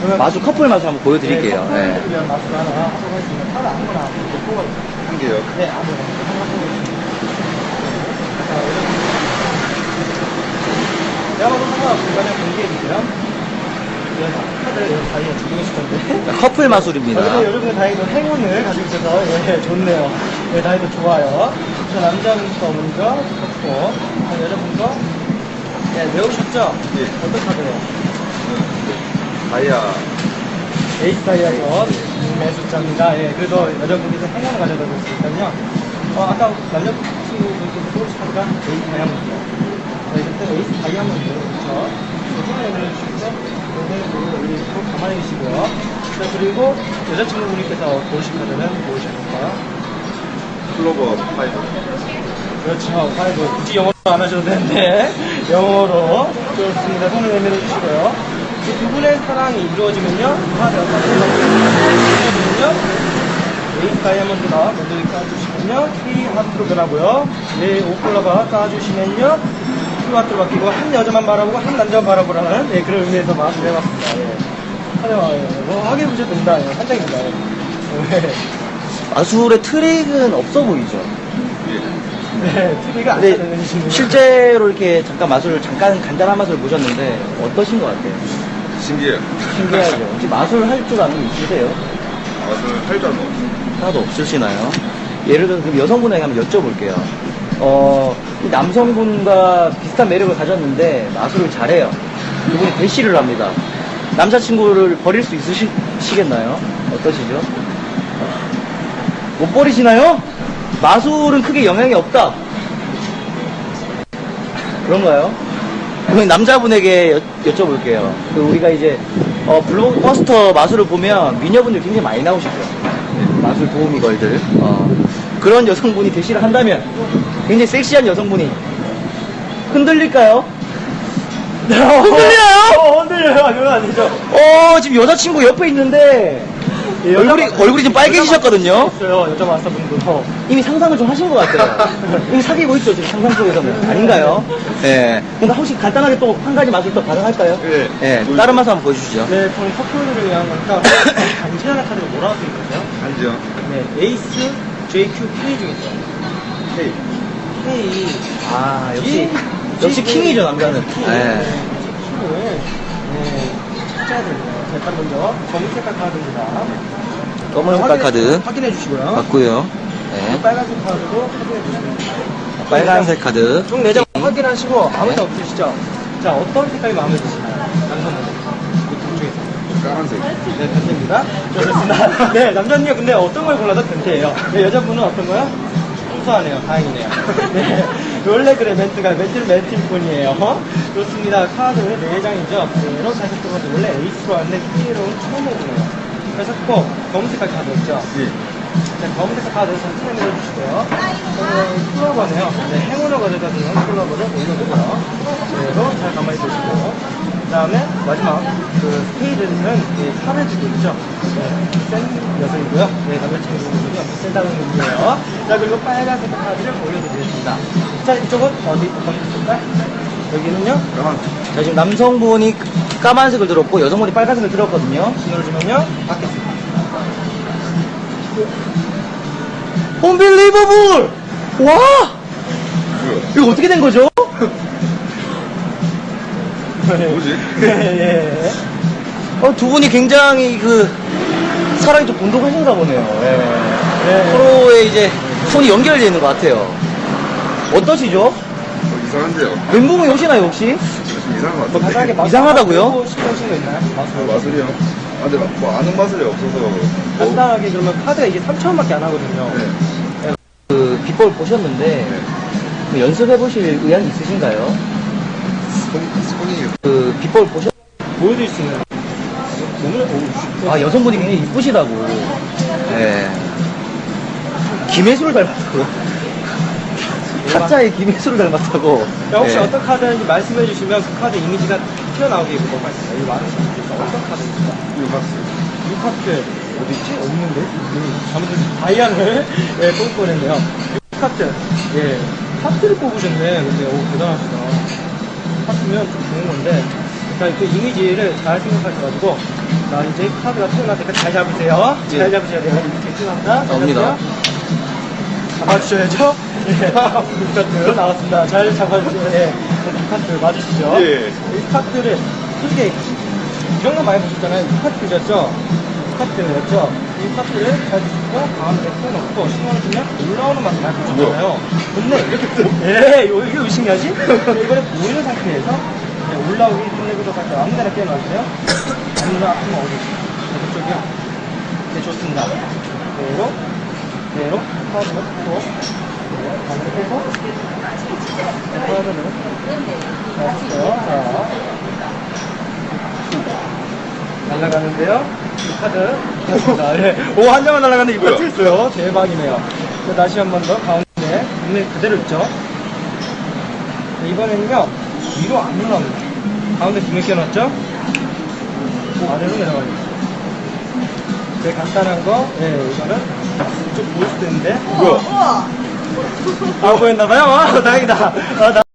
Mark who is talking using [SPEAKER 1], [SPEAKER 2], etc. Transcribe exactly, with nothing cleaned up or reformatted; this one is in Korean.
[SPEAKER 1] 마술, 커플 마술 한번 보여드릴게요.
[SPEAKER 2] 네,
[SPEAKER 1] 네.
[SPEAKER 2] 커플을 위한 마술 하나 하도록 하겠습니다. 카드 아무거나 뽑아
[SPEAKER 3] 한 개요?
[SPEAKER 2] 네, 아무거나 하나 뽑아주시면 내가 봐도 상관없으니까 그냥 공개해주세요. 카드를 여기 사이에 두 개씩 건데.
[SPEAKER 1] 자, 커플 마술입니다.
[SPEAKER 2] 어, 여러분은 다행히도 행운을 가지고 있어서, 예, 좋네요. 예, 다행히도 좋아요. 저 남자분부터 먼저 쳤고, 여자분 거, 예, 외우셨죠?
[SPEAKER 3] 예.
[SPEAKER 2] 어떤 카드예요?
[SPEAKER 3] 다이아.
[SPEAKER 2] 에이스 다이아서 매숫자입니다. 예, 그래도 여자분께서 행운을 가져다 줬으니까요. 어, 아까 남자친구분께서 소울스 카드가 에이스 다이아몬드예요. 네, 그때 에이스 다이아몬드, 그쵸? 손을 내려주시고, 여기 가만히 계시고요. 자, 그리고 여자친구분께서 고르신 카드는 무엇일 건가요?
[SPEAKER 3] 클로버 파이브.
[SPEAKER 2] 그렇죠. 파이브. 굳이 영어로 안 하셔도 되는데, 영어로. 좋습니다. 손을 내밀어 주시고요. 이 두 분의 사랑이 이루어지면요, 카드 이루어지면요, 에이스 다이아몬드가 먼저 이렇게 까주시면요, K 하트로 변하고요. 네, 오클라바 까주시면요, Q 하트로 바뀌고, 한 여자만 바라보고, 한 남자만 바라보라는, 네, 그런 의미에서 마술을 해봤습니다. 예. 하여튼, 뭐, 확인해 보셔도 됩니다. 예, 한 장입니다. 예. 네.
[SPEAKER 1] 마술의 트릭은 없어 보이죠?
[SPEAKER 2] 네, TV가 안
[SPEAKER 1] 근데
[SPEAKER 2] 되는 친구.
[SPEAKER 1] 실제로 이렇게 잠깐 마술을, 잠깐 간단한 마술을 보셨는데, 어떠신 것 같아요?
[SPEAKER 3] 신기해요.
[SPEAKER 1] 신기하죠? 혹시 마술 할 줄 아는 분 있으세요?
[SPEAKER 3] 맛을 할 줄 알고.
[SPEAKER 1] 하나도 없으시나요? 예를 들어서 그럼 여성분에게 한번 여쭤볼게요. 어, 이 남성분과 비슷한 매력을 가졌는데 마술을 잘해요. 그분이 대시를 합니다. 남자친구를 버릴 수 있으시겠나요? 어떠시죠? 못 버리시나요? 마술은 크게 영향이 없다. 그런가요? 그럼 남자분에게 여, 여쭤볼게요. 그 우리가 이제 어, 블록버스터 마술을 보면 미녀분들 굉장히 많이 나오시죠. 마술 도우미 걸들. 어, 그런 여성분이 대시를 한다면 굉장히 섹시한 여성분이 흔들릴까요? 흔들려요?
[SPEAKER 2] 어, 흔들려요. 그건 아니죠.
[SPEAKER 1] 어, 지금 여자친구 옆에 있는데
[SPEAKER 2] 예,
[SPEAKER 1] 얼굴이
[SPEAKER 2] 여자-
[SPEAKER 1] 얼굴이 좀 빨개지셨거든요.
[SPEAKER 2] 있어요. 여자 마스터분도.
[SPEAKER 1] 이미 상상을 좀 하신 것 같아요. 이미 사귀고 있죠, 지금 상상 속에서는. 아닌가요? 예. 근데 혹시 간단하게 또 한 가지 마술 또 가능할까요?
[SPEAKER 3] 예.
[SPEAKER 1] 예. 다른 마술 한번 보여주시죠.
[SPEAKER 2] 네, 저는 커플들을 위한 거니까 간지나는 카드가 뭐라고 써 있거든요?
[SPEAKER 3] 알죠?
[SPEAKER 2] 네, 에이스, 제이큐, K 중에 있어요.
[SPEAKER 3] 헤이.
[SPEAKER 2] K.
[SPEAKER 1] 아, 역시,
[SPEAKER 2] 예.
[SPEAKER 1] 역시 킹이죠, 남자는.
[SPEAKER 2] 킹.
[SPEAKER 1] 예.
[SPEAKER 2] 네, 킹을 네, 찾아야 됩니다. 자, 일단 먼저 검은 색깔 카드입니다.
[SPEAKER 1] 검은 색깔 카드
[SPEAKER 2] 확인해 주시고요.
[SPEAKER 1] 맞고요. 네.
[SPEAKER 2] 빨간색 카드도 확인해 주시면
[SPEAKER 1] 빨간색 카드.
[SPEAKER 2] 총 네 장 확인하시고 아무 데 없으시죠? 자, 어떤 색깔이 마음에 드시나요? 남성분. 이둘 중에서.
[SPEAKER 3] 까만색.
[SPEAKER 2] 네, 변태입니다. 좋습니다. 네, 남자는요, 근데 어떤 걸 골라도 변태예요. 네, 여자분은 어떤 거요? 순수하네요. 다행이네요. 네, 원래 그래, 멘트가. 멘트는 멘트일 뿐이에요. 좋습니다. 카드 네 장이죠. 그대로 다섯 번째 원래 에이스로 왔는데 K로는 처음 해보네요. 그래서 꼭 검은색 카드 있죠?
[SPEAKER 3] 예.
[SPEAKER 2] 자, 검은색 카드 전체에 내려주시고요. 저는 클로버네요. 네, 행운을 가져다 주는 클로버를 올려주고요. 그대로 잘 가만히 두시고. 그 다음에 마지막 그 스페이드는 이 팔을 쥐고 있죠. 네, 센 녀석이고요. 네, 남자친구분이 엄청 센다는 의미예요. 자, 그리고 빨간색 카드를 올려드리겠습니다. 자, 이쪽은 어디, 어떤 색깔? 여기는요?
[SPEAKER 3] 까만색.
[SPEAKER 1] 자, 지금 남성분이 까만색을 들었고 여성분이 빨간색을 들었거든요.
[SPEAKER 2] 신호를 주면요, 받겠습니다.
[SPEAKER 1] Unbelievable! 와!
[SPEAKER 3] 뭐야?
[SPEAKER 1] 이거 어떻게 된 거죠?
[SPEAKER 3] 뭐지?
[SPEAKER 2] 예.
[SPEAKER 1] 어, 두 분이 굉장히 그 사랑이 좀 돈독하신가 보네요. 예.
[SPEAKER 2] 네.
[SPEAKER 1] 서로의 이제 손이 연결되어 있는 것 같아요. 어떠시죠?
[SPEAKER 3] 어, 이상한데요?
[SPEAKER 1] 멘붕이 오시나요 혹시?
[SPEAKER 3] 좀 이상한 것
[SPEAKER 2] 뭐
[SPEAKER 3] 같은데.
[SPEAKER 2] 간단하게 마술
[SPEAKER 1] 이상하다고요?
[SPEAKER 2] 하고 싶으신 거 있나요?
[SPEAKER 3] 아,
[SPEAKER 2] 마술.
[SPEAKER 3] 마술이요? 아, 근데 뭐 아는 마술이 없어서. 뭐,
[SPEAKER 2] 간단하게 그러면 카드가 이게 삼천 원밖에 안 하거든요.
[SPEAKER 3] 네.
[SPEAKER 1] 그 비법을 보셨는데
[SPEAKER 3] 네.
[SPEAKER 1] 그 연습해 보실 의향이 있으신가요?
[SPEAKER 3] 손, 손이.
[SPEAKER 1] 그 비법을 보셨
[SPEAKER 2] 보여드릴 수 있는. 너무, 오,
[SPEAKER 1] 아 여성분이 굉장히 이쁘시다고. 예. 김혜수를 닮았다고. 타짜의 김혜수를 닮았다고.
[SPEAKER 2] 자, 혹시
[SPEAKER 1] 예.
[SPEAKER 2] 어떤 카드인지 말씀해 주시면 그 카드 이미지가 튀어나오게 입고 말씀해요. 여기 많은 분들께서 어떤 카드입니까?
[SPEAKER 3] 유박스.
[SPEAKER 2] 이 카드 어디 있지? 없는데? 음, 잘못해서 다이아를 예, 뽑을 뻔했네요. 이 카드. 예. 하트를 뽑으셨네. 근데 오 대단하시다. 하트면 좀 좋은 건데. 자, 그 이미지를 잘 생각하셔가지고 자, 이제 카드가 튀어나올 때까지 잘 잡으세요.
[SPEAKER 1] 예.
[SPEAKER 2] 잘 잡으셔야 돼요. 이렇게 튀어나온다.
[SPEAKER 1] 나옵니다.
[SPEAKER 2] 잡아주셔야죠. 예. 블루 카드 나왔습니다. 잘 잡아주셔야 돼요. 이 카드 맞으시죠?
[SPEAKER 3] 예.
[SPEAKER 2] 이 카드를, 솔직히, 이런 거 많이 보셨잖아요. 이 카드 드렸죠? 이 카드였죠? 이 카드를 잘 주시고, 가운데 펴놓고, 신경 쓰면 올라오는 맛을 많이 보셨잖아요. 근데, 이렇게, 예, 이거, 이거 의심이하지? 이거를 모르는 상태에서, 네, 올라오기 끝내고 상태 아무 데나 깨어나주세요. 아무나 아프면 어디? 네, 그쪽이요. 네, 좋습니다. 그대로, 그대로, 카드를 펴고, 네, 가운데 펴고, 네, 카드를. 자, 됐어요. 자. 날아가는데요. 이 카드. 됐습니다. 예. 오, 한 장만 날아가는데 이거
[SPEAKER 3] 뭐야?
[SPEAKER 2] 있어요. 대박이네요. 자, 다시 한 번 더 가운데. 눈에 그대로 있죠. 자, 이번에는요. 위로 안 올라옵니다. 가운데 등에 껴놨죠? 아래로 내려가요. 되게 간단한 거. 예, 이거는 좀 보일 수도 있는데.
[SPEAKER 3] 뭐야?
[SPEAKER 2] 아, 보였나봐요? 아, 다행이다. 아, 나